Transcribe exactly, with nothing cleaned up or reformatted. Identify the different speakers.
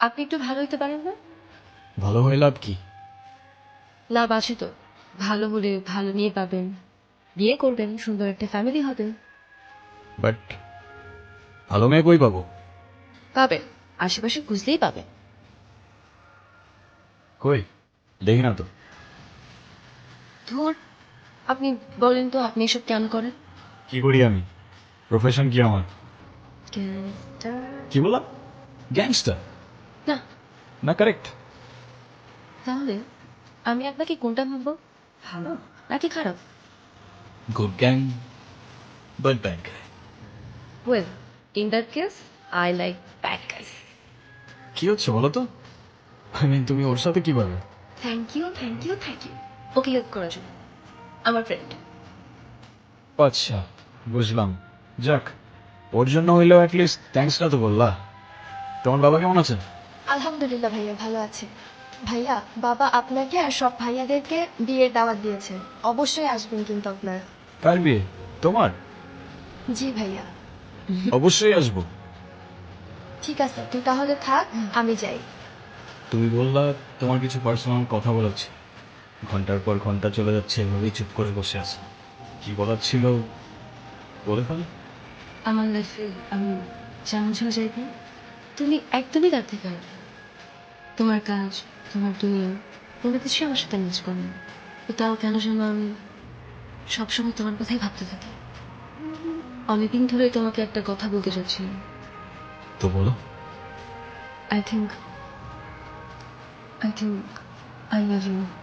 Speaker 1: আপনি একটু ভালো হইতে পারেন না?
Speaker 2: ভালো হয়ে লাভ কি?
Speaker 1: লাভ আছে তো। ভালো হলে ভালো মেয়ে পাবেন, বিয়ে করবেন, সুন্দর একটা ফ্যামিলি হবে।
Speaker 2: বাট ভালো মেয়ে কই পাবো?
Speaker 1: পাবেন, আশেপাশে খুঁজলেই পাবেন।
Speaker 2: কই দেখি না তো।
Speaker 1: ধুর, আপনি বলেন তো আপনি এসব কেন করেন?
Speaker 2: কি করি আমি? প্রফেশন কি আমার?
Speaker 1: গ্যাংস্টার?
Speaker 2: কি বললাম? গ্যাংস্টার
Speaker 1: না,
Speaker 2: না? কারেক্ট।
Speaker 1: তাহলে আমি আপনাকে কোনটা ভাববো, ভালো নাকি খারাপ?
Speaker 2: Good gang but bad.
Speaker 1: Well, in that case I like bad guys.
Speaker 2: কি হচ্ছে বলো তো? আই মিন তুমি ওর সাথে কি পাবে?
Speaker 1: Thank you, thank you, thank you. ওকে হেল্প করার জন্য, আমার ফ্রেন্ড।
Speaker 2: আচ্ছা, বুঝলাম। যাক, ওর জন্য হইলেও অ্যাটলিস্ট থ্যাঙ্কসটা তো বললা। তোমার বাবা কেমন আছে?
Speaker 3: আলহামদুলিল্লাহ ভাইয়া ভালো আছে। ভাইয়া, বাবা আপনাকে আর সব ভাইয়াদেরকে বিয়ের দাওয়াত দিয়েছে, অবশ্যই আসবেন কিন্তু আপনারা।
Speaker 2: কার বিয়ে? তোমার?
Speaker 3: জি ভাইয়া।
Speaker 2: অবশ্যই আসবো।
Speaker 3: ঠিক আছে, তুই তাহলে থাক, আমি যাই।
Speaker 2: তুমি বললা তোমার কিছু পার্সোনাল কথা বলেছি, ঘন্টার পর ঘন্টা চলে যাচ্ছে, এভাবেই চুপ করে বসে আছে। কি বলার ছিল বলে ফেল।
Speaker 1: আমার লাইফে আমি যেমন ছিল চাইবো তুমি একদমই তার থেকে আলাদা। তোমার কাজ, তোমার দুনিয়া, কোনো কিছুই আমার সাথে ম্যাচ করে না। তো তাও কেন যেন আমি সবসময় তোমার কথাই ভাবতে থাকি। অনেকদিন ধরেই তোমাকে একটা কথা বলতে চাচ্ছিলাম।
Speaker 2: তো বলো।
Speaker 1: I think I think I love you.